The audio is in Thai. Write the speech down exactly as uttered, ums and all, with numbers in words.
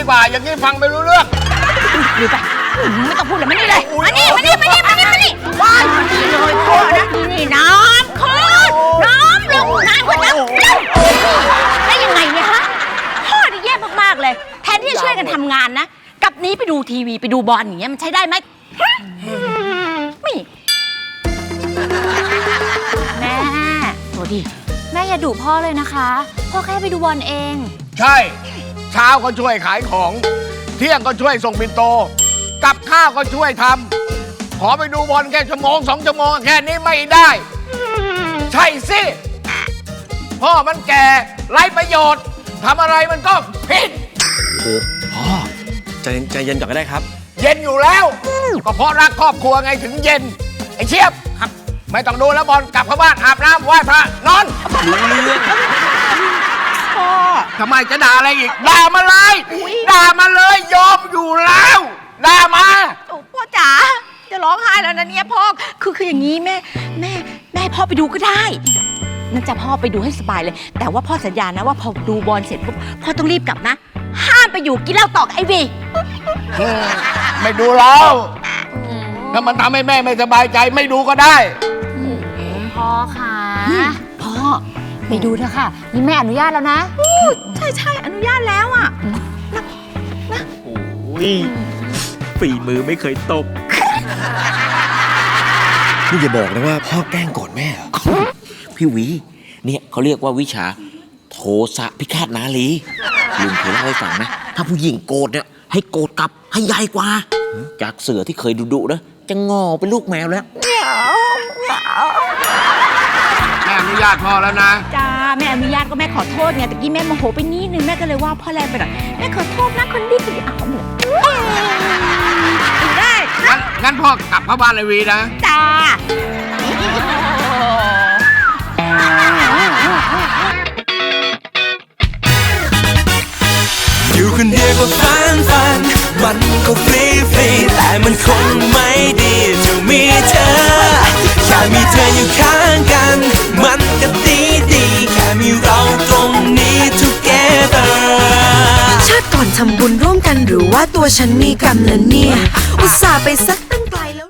ฝ่าอย่างนี้ฟังไม่รู้เรื่องดูไปไม่ต้องพูดเลยมานี่เลยมานี่มานี่มานี่มานี่มานี่ว้ายมานี่เลยพ่อนะนี่น้ำขึ้นน้ำลงน้ำขึ้นน้ำได้ยังไงเนี่ยฮะพ่อนี่แย่มากๆเลยแทนที่จะช่วยกันทำงานนะกับนี้ไปดูทีวีไปดูบอลอย่างเงี้ยมันใช้ได้ไหมไม่แม่ตัวดีแม่อย่าดุพ่อเลยนะคะพ่อแค่ไปดูบอลเองใช่เช้าก็ช่วยขายของเที่ยงก็ช่วยส่งปิ่นโตกับข้าวก็ช่วยทำขอไปดูบอลแค่ชั่วโมงสองชั่วโมงแค่นี้ไม่ได้ใช่สิพ่อมันแก่ไร้ประโยชน์ทำอะไรมันก็ผิดโอ้พ่อใจใจเย็นก่อนก็ได้ครับเย็นอยู่แล้วก็เพราะรักครอบครัวไงถึงเย็นไอ้เชียบครับไม่ต้องดูแล้วบอลกลับเข้าบ้านอาบน้ำไหว้พระนอนรู้เรื่องพ่อทำไมจะด่าอะไรอีกด่ามาเลยด่ามาเลยยอมอยู่แล้วด่ามาโอ้พ่อจ๋าจะร้องไห้แล้วนะเนี่ยพ่อคือคืออย่างนี้แม่แม่แม่พ่อไปดูก็ได้นั่นจะพ่อไปดูให้สบายเลยแต่ว่าพ่อสัญญานะว่าพอดูบอลเสร็จปุ๊บพ่อต้องรีบกลับนะห้ามไปอยู่กินเหล้าต่อกับไอวีไม่ดูแล้วถ้ามันทำให้แม่ไม่สบายใจไม่ดูก็ได้พ่อค่ะพ่อไปดูเถอะค่ะนี่แม่อนุญาตแล้วนะใช่ใช่อนุญาตแล้วอ่ะนะโอ้ยฝีมือไม่เคยตกนี่อย่าบอกนะว่าพ่อแกล้งโกรธแม่เหรอพี่หวีเนี่ยเขาเรียกว่าวิชาโทสะพิฆาตนารีลุงเคยเล่าให้ฟังนะถ้าผู้หญิงโกรธเนี่ยให้โกรธกลับให้ใหญ่กว่าจากเสือที่เคยดุดุนะจะงอเป็นลูกแมวแล้วแม่อนุญาตพ่อแล้วนะจ้าแม่อนุญาตก็แม่ขอโทษไงตะกี้แม่โมโหไปนิดนึงแม่ก็เลยว่าพ่อแรงไปหน่อยแม่ขอโทษนะคนดีคนดีเอาหมดได้งั้นงั้นพ่อกลับเข้าบ้านเลยวีนะจ้าอยู่คนเดียวก็ฟันฟันมันก็ฟรีฟรีแต่มันคงไม่ดีจะมีเธอแค่มีเธออยู่ข้างกันมันก็ดีดีแค่มีเราตรงนี้ together ชาติก่อนทำบุญร่วมกันหรือว่าตัวฉันมีกรรมนะเนี่ยอุตส่าห์ไปสัก